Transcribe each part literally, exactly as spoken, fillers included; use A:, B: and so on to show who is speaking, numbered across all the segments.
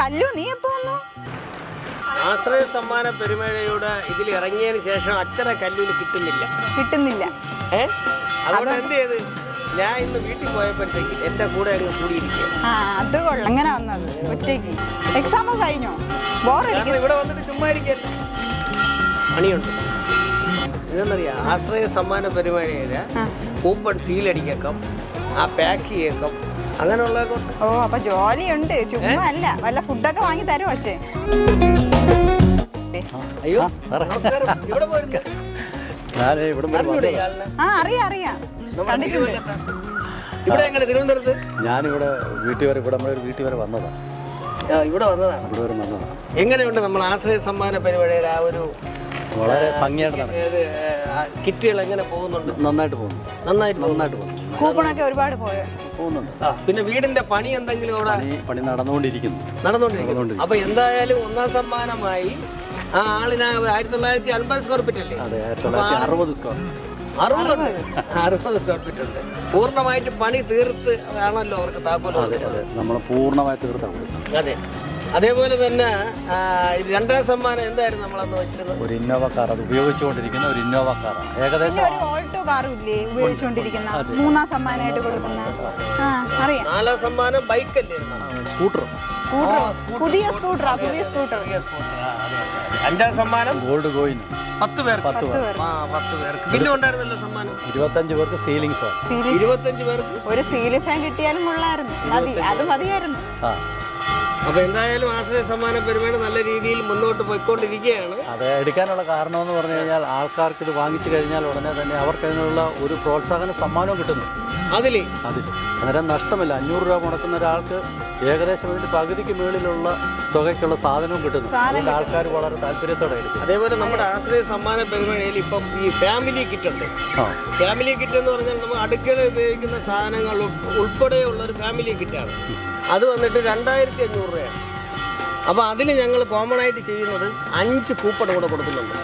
A: കല്ലു നീ എപ്പോ വന്നു?
B: ആശ്രയ സമ്മാന പെരുമഴയുടെ ഇതിൽ ഇറങ്ങിയതിന് ശേഷം അച്ഛനെ കല്ലൂന് കിട്ടുന്നില്ല
A: കിട്ടുന്നില്ല
B: ഏ അതുകൊണ്ട് എന്ത് ചെയ്ത് ഞാൻ ഇന്ന് വീട്ടിൽ പോയപ്പോഴത്തേക്ക് എന്റെ കൂടെ അങ്ങ് കൂടിയിരിക്കുക.
A: ആ അത് കൊള്ളാം. അങ്ങനെ വന്നത് ഒറ്റയ്ക്ക്. എക്സാം കഴിഞ്ഞോ? ബോറടിക്കുന്നു.
B: ഇവിടെ വന്നിട്ട് ചുമ്മാ ഇരിക്കല്ല, പണിയുണ്ട്. ഇതെന്നറിയാം, ആശ്രയ സമ്മാന പെരുമഴയില് കൂപ്പൺ സീലടിക്കാം, ആ പാക്ക് ചെയ്യേക്കാം, അങ്ങനെയുള്ളതൊക്കെ ഉണ്ട്.
A: ഓ അപ്പൊ ജോലിയുണ്ട്, ചുമ്മാ അല്ല. വല്ല ഫുഡൊക്കെ വാങ്ങി തരുമോ അച്ഛൻ?
B: അയ്യോ നമസ്കാരം. ഇവിടെ പോയിരുന്നു.
A: ആ അറിയാം അറിയാം, കണ്ടിട്ടുണ്ട്.
B: ഇവിടെ എങ്ങനെ തിരുവനന്തപുരത്ത്?
C: ഞാനിവിടെ വീട്ടിൽ വരെ ഇവിടെ നമ്മുടെ വീട്ടിൽ വരെ വന്നതാണ്.
B: ഇവിടെ വന്നതാണ്.
C: ഇവിടെ വരെ വന്നതാണ്.
B: എങ്ങനെയുണ്ട് നമ്മൾ ആശ്രയ സമ്മാന പരിപാടിയുടെ ആ ഒരു
C: വളരെ ഭംഗിയായിട്ട്
B: കിറ്റുകൾ എങ്ങനെ പോകുന്നുണ്ട്?
C: നന്നായിട്ട് പോകുന്നു.
B: നന്നായിട്ട്
C: നന്നായിട്ട് പോകുന്നു.
A: കൂപ്പണൊക്കെ ഒരുപാട് പോയോ?
C: പോകുന്നുണ്ട്.
B: പിന്നെ വീടിന്റെ പണി എന്തെങ്കിലും അവിടെ
C: പണി നടന്നുകൊണ്ടിരിക്കുന്നു.
B: നടന്നുകൊണ്ടിരിക്കുന്നു. അപ്പൊ എന്തായാലും ഒന്നാം സമ്മാനമായി ആ ആളിന് ആയിരത്തി തൊള്ളായിരത്തി അൻപത് സ്ക്വയർ ഫീറ്റ് അല്ലേ?
C: അതെ, ആയിരത്തി തൊള്ളായിരത്തി അറുപത് സ്ക്വയർ
B: അറുപതുണ്ട് അറുപത് സ്ക്വയർ ഫീറ്റ് ഉണ്ട്. പൂർണ്ണമായിട്ട് പണി തീർത്ത് ആണല്ലോ അവർക്ക് താക്കോൽ.
C: അതെ അതെ, നമ്മൾ പൂർണ്ണമായി തീർത്താണ് കൊടുക്കുന്നത്.
B: അതെ. അതേപോലെ തന്നെ രണ്ടാം സമ്മാനം എന്തായിരുന്നു നമ്മളന്ന് വെച്ചിരുന്നത്?
C: ഒരു ഇന്നോവ കാർ, അത് ഉപയോഗിച്ചുകൊണ്ടിരിക്കുന്ന ഒരു ഇന്നോവ കാറാണ്. ഏകദേശം
A: ഒരു ഓൾട്ടോ കാറും ഇല്ലേ ഉപയോഗിച്ചുകൊണ്ടിരിക്കുന്ന? മൂന്നാം സമ്മാനമായിട്ട് കൊടുക്കുന്ന. ആ അറിയാം.
B: നാലാം സമ്മാനം ബൈക്കല്ലേ?
C: സ്കൂട്ടർ.
A: സ്കൂട്ടർ, പുതിയ സ്കൂട്ടറാ, പുതിയ സ്കൂട്ടർ.
B: അഞ്ചാം സമ്മാനം
C: ഗോൾഡ് കോയിൻ.
B: പത്ത് പേർ
C: പത്ത് പേർ
B: ആ പത്ത് പേർക്ക്. പിന്നെ ഉണ്ടായിരുന്നല്ലോ സമ്മാനം
C: ഇരുപത്തഞ്ച് പേർക്ക് സീലിംഗ് ഫാൻ.
B: ഇരുപത്തഞ്ച് പേർക്ക്
A: ഒരു സീലിംഗ് ഫാൻ കിട്ടിയാലും കൊള്ളായിരുന്നു. മതി, അത് മതിയായിരുന്നു.
C: ആ
B: അപ്പൊ എന്തായാലും ആശ്രയ സമ്മാന പരിപാടി നല്ല രീതിയിൽ മുന്നോട്ട് പോയിക്കൊണ്ടിരിക്കുകയാണ്.
C: അത് എടുക്കാനുള്ള കാരണം എന്ന് പറഞ്ഞു കഴിഞ്ഞാൽ ആൾക്കാർക്ക് ഇത് വാങ്ങിച്ചു കഴിഞ്ഞാൽ ഉടനെ തന്നെ അവർക്ക് അതിനുള്ള ഒരു പ്രോത്സാഹന സമ്മാനവും കിട്ടുന്നു.
B: അതില്
C: അതിൽ അന്നേരം നഷ്ടമില്ല. അഞ്ഞൂറ് രൂപ മുടക്കുന്ന ഒരാൾക്ക് ഏകദേശം വേണ്ടി പകുതിക്ക് മുകളിലുള്ള തുകയ്ക്കുള്ള സാധനവും കിട്ടുന്നു. അതുകൊണ്ട് ആൾക്കാർ വളരെ താല്പര്യത്തോടെ എടുക്കും.
B: അതേപോലെ നമ്മുടെ ആശ്രയ സമ്മാന പരിപാടിയിൽ ഇപ്പം ഈ ഫാമിലി കിറ്റ് ഉണ്ട്. ഫാമിലി കിറ്റ് എന്ന് പറഞ്ഞാൽ നമ്മൾ അടുക്കള ഉപയോഗിക്കുന്ന സാധനങ്ങൾ ഉൾപ്പെടെയുള്ള ഒരു ഫാമിലി കിറ്റാണ്. അത് വന്നിട്ട് രണ്ടായിരത്തി അഞ്ഞൂറ് രൂപയാണ്. അപ്പോൾ അതിന് ഞങ്ങൾ കോമൺ ആയിട്ട് ചെയ്യുന്നത് അഞ്ച് കൂപ്പൺ കൂടെ കൊടുക്കുന്നുണ്ട്.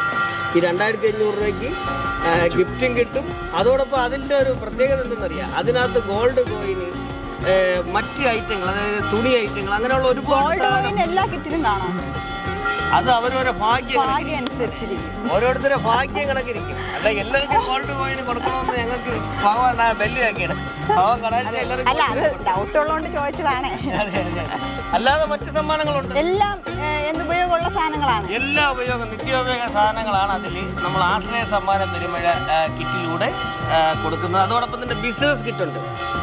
B: ഈ രണ്ടായിരത്തി അഞ്ഞൂറ് രൂപയ്ക്ക് ഗിഫ്റ്റും കിട്ടും. അതോടൊപ്പം അതിൻ്റെ ഒരു പ്രത്യേകത എന്തെന്നറിയാം, അതിനകത്ത് ഗോൾഡ് കോയിന്, മറ്റ് ഐറ്റങ്ങൾ, അതായത് തുണി ഐറ്റങ്ങൾ, അങ്ങനെയുള്ള ഒരുപാട്
A: എല്ലാ കിറ്റിലും കാണാം.
B: അത് അവരവരെ ഭാഗ്യം
A: അനുസരിച്ചിരിക്കും,
B: ഓരോരുത്തരെ ഭാഗ്യം കണക്കിരിക്കും. അല്ല എല്ലാവർക്കും ഗോൾഡ് കോയിന് കൊടുക്കണമെന്ന് ഞങ്ങൾക്ക് ഭഗവാൻ ബെല്ലിയാക്കിയാണ്. ഭഗവാൻ കടാഴ്ച എല്ലാവർക്കും
A: ഡൗട്ട് ഉള്ളതുകൊണ്ട് ചോദിച്ചതാണ്.
B: അല്ലാതെ മറ്റ് സമ്മാനങ്ങളുണ്ട്.
A: എല്ലാം എന്തുപയോഗമുള്ള സാധനങ്ങളാണ്.
B: എല്ലാ ഉപയോഗം നിത്യോപയോഗ സാധനങ്ങളാണ് അതിൽ നമ്മൾ ആശ്രയ സമ്മാന പെരുമഴ കിറ്റിലൂടെ കൊടുക്കുന്നത്. അതോടൊപ്പം തന്നെ ബിസിനസ് കിറ്റുണ്ട്.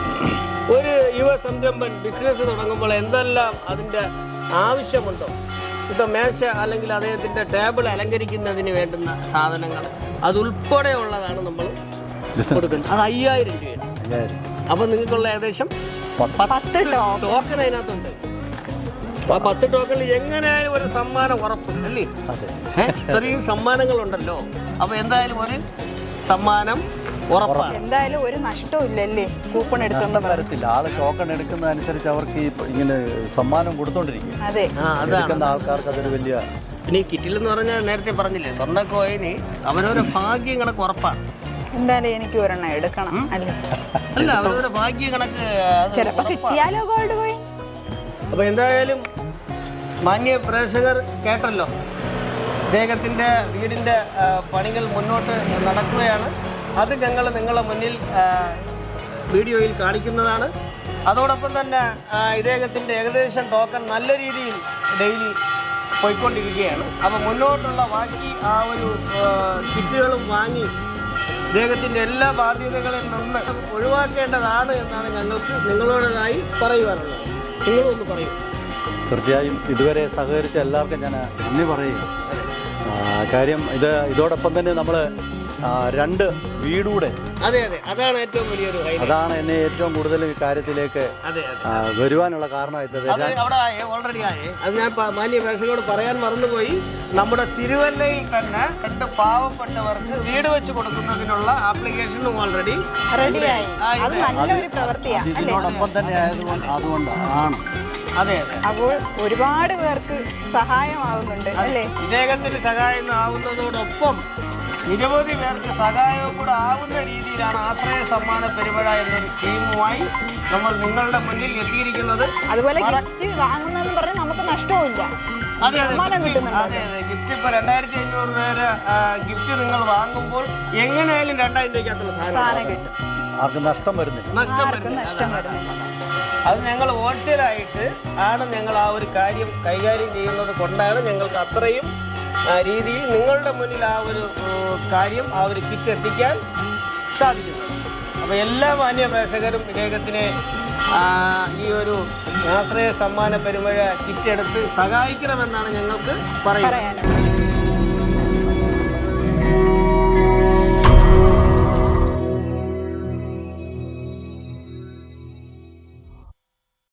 B: ഒരു യുവ സംരംഭൻ ബിസിനസ് തുടങ്ങുമ്പോൾ എന്തെല്ലാം അതിൻ്റെ ആവശ്യമുണ്ടോ, ഇപ്പം മേശ അല്ലെങ്കിൽ അദ്ദേഹത്തിൻ്റെ ടേബിൾ അലങ്കരിക്കുന്നതിന് വേണ്ടുന്ന സാധനങ്ങൾ അതുൾപ്പെടെയുള്ളതാണ് നമ്മൾ കൊടുക്കുന്നത്. അത് അയ്യായിരം രൂപയാണ്. അപ്പം നിങ്ങൾക്കുള്ള ഏകദേശം പത്ത് ടോക്കൺ അതിനകത്തുണ്ട്. ആ പത്ത് ടോക്കണിൽ എങ്ങനെയായാലും ഒരു സമ്മാനം ഉറപ്പ് അല്ലേ? ഇത്രയും സമ്മാനങ്ങളുണ്ടല്ലോ. അപ്പോൾ എന്തായാലും ഒരു സമ്മാനം ഉറപ്പാണ്.
A: എന്തായാലും ഒരു നഷ്ടവും ഇല്ലല്ലേ കൂപ്പൺ എടുക്കുന്ന
C: തരത്തില്ല. ആള് ടോക്കൺ എടുക്കുന്നതനുസരിച്ച് അവർക്ക് ഈ ഇങ്ങനെ സമ്മാനം കൊടുത്തോണ്ടിരിക്കും.
A: അതെ,
C: എടുക്കുന്ന ആൾക്കാർക്ക് അതൊരു വലിയ.
B: പിന്നെ ഈ കിറ്റിൽ എന്ന് പറഞ്ഞാൽ നേരത്തെ പറഞ്ഞില്ലേ, സ്വർണ്ണ കോയിന് അവരവരെ ഭാഗ്യം കണക്ക് ഉറപ്പാണ്.
A: എന്തായാലും എനിക്ക് ഒരെണ്ണം എടുക്കണം അല്ലേ?
B: അല്ല, അവരവരെ ഭാഗ്യം കണക്ക്
A: ചിലപ്പോൾ കിട്ടിയാലോ ഗോൾഡ് കോയിൻ.
B: അപ്പോൾ എന്തായാലും മാന്യ പ്രേക്ഷകർ കേട്ടല്ലോ, ഇദ്ദേഹത്തിൻ്റെ വീടിൻ്റെ പണികൾ മുന്നോട്ട് നടക്കുകയാണ്. അത് ഞങ്ങൾ നിങ്ങളുടെ മുന്നിൽ വീഡിയോയിൽ കാണിക്കുന്നതാണ്. അതോടൊപ്പം തന്നെ ഇദ്ദേഹത്തിൻ്റെ ഏകദേശം ടോക്കൺ നല്ല രീതിയിൽ ഡെയിലി പോയിക്കൊണ്ടിരിക്കുകയാണ്. അപ്പോൾ മുന്നോട്ടുള്ള ബാക്കി ആ ഒരു കിറ്റുകളും വാങ്ങി ഇദ്ദേഹത്തിൻ്റെ എല്ലാ ബാധ്യതകളിൽ നിന്ന് ഒഴിവാക്കേണ്ടതാണ് എന്നാണ് ഞങ്ങൾക്ക് നിങ്ങളോടേതായി പറയുവാനുള്ളത്. നിങ്ങളൊന്ന് പറയൂ.
C: തീർച്ചയായും ഇതുവരെ സഹകരിച്ച എല്ലാവർക്കും ഞാൻ നന്ദി പറയും. കാര്യം ഇത് ഇതോടൊപ്പം തന്നെ നമ്മൾ രണ്ട് വീടൂടെ,
B: അതെ അതെ, അതാണ് ഏറ്റവും വലിയൊരു,
C: അതാണ് എന്നെ ഏറ്റവും കൂടുതൽ ഈ കാര്യത്തിലേക്ക് വരുവാനുള്ള കാരണമായിട്ടത്.
B: അവിടെ ഓൾറെഡി ആയേ, അത് ഞാൻ മാന്യ പ്രേക്ഷകരോട് പറയാൻ മറന്നുപോയി. നമ്മുടെ തിരുവല്ലയിൽ തന്നെ രണ്ട് പാവപ്പെട്ടവർക്ക് വീട് വെച്ച് കൊടുക്കുന്നതിനുള്ള ആപ്ലിക്കേഷനും ഓൾറെഡി
A: റെഡിയായി. അത് നല്ലൊരു പ്രവൃത്തിയാണ്.
C: ഇതിനോടൊപ്പം തന്നെ ആയതുകൊണ്ട് അതുകൊണ്ടാണ്.
B: അതെ അതെ,
A: അപ്പോൾ ഒരുപാട് പേർക്ക് സഹായമാവുന്നുണ്ട് അല്ലേ?
B: ഇദ്ദേഹത്തിന് സഹായം ആവുന്നതോടൊപ്പം നിരവധി പേർക്ക് സഹായവും കൂടെ ആവുന്ന രീതിയിലാണ് ആശ്രയ സമ്മാന പെരുമഴ എന്നൊരു സ്കീമുമായി നമ്മൾ നിങ്ങളുടെ മുന്നിൽ എത്തിയിരിക്കുന്നത്.
A: അതുപോലെ ഗിഫ്റ്റ് വാങ്ങുന്നതെന്ന് പറഞ്ഞാൽ നമുക്ക് നഷ്ടവുമില്ല.
B: അതെ അതെ അതെ അതെ ഗിഫ്റ്റ് ഇപ്പോൾ രണ്ടായിരത്തി അഞ്ഞൂറ് പേര് ഗിഫ്റ്റ് നിങ്ങൾ വാങ്ങുമ്പോൾ എങ്ങനെയായാലും രണ്ടായിരം രൂപയ്ക്കകത്തുള്ള സാധനം
A: കിട്ടും.
C: ആർക്കും നഷ്ടം വരുന്നില്ല.
B: നഷ്ടം
A: നഷ്ടം
B: വരുന്നില്ല.
A: വരുന്നില്ല.
B: അത് ഞങ്ങൾ ഹോൾസെയിലായിട്ട് ആണ് ഞങ്ങൾ ആ ഒരു കാര്യം കൈകാര്യം ചെയ്യുന്നത് കൊണ്ടാണ് ഞങ്ങൾക്ക് അത്രയും രീതിയിൽ നിങ്ങളുടെ മുന്നിൽ ആ ഒരു കാര്യം ആ ഒരു കിറ്റ് എത്തിക്കാൻ സാധിക്കുന്നത്. അപ്പോൾ എല്ലാ മാന്യ പ്രേക്ഷകരും ഇദ്ദേഹത്തിനെ ഈ ഒരു ആശ്രയ സമ്മാന പെരുമഴ കിറ്റ് എടുത്ത് സഹായിക്കണമെന്നാണ് ഞങ്ങൾക്ക് പറയുന്നത്.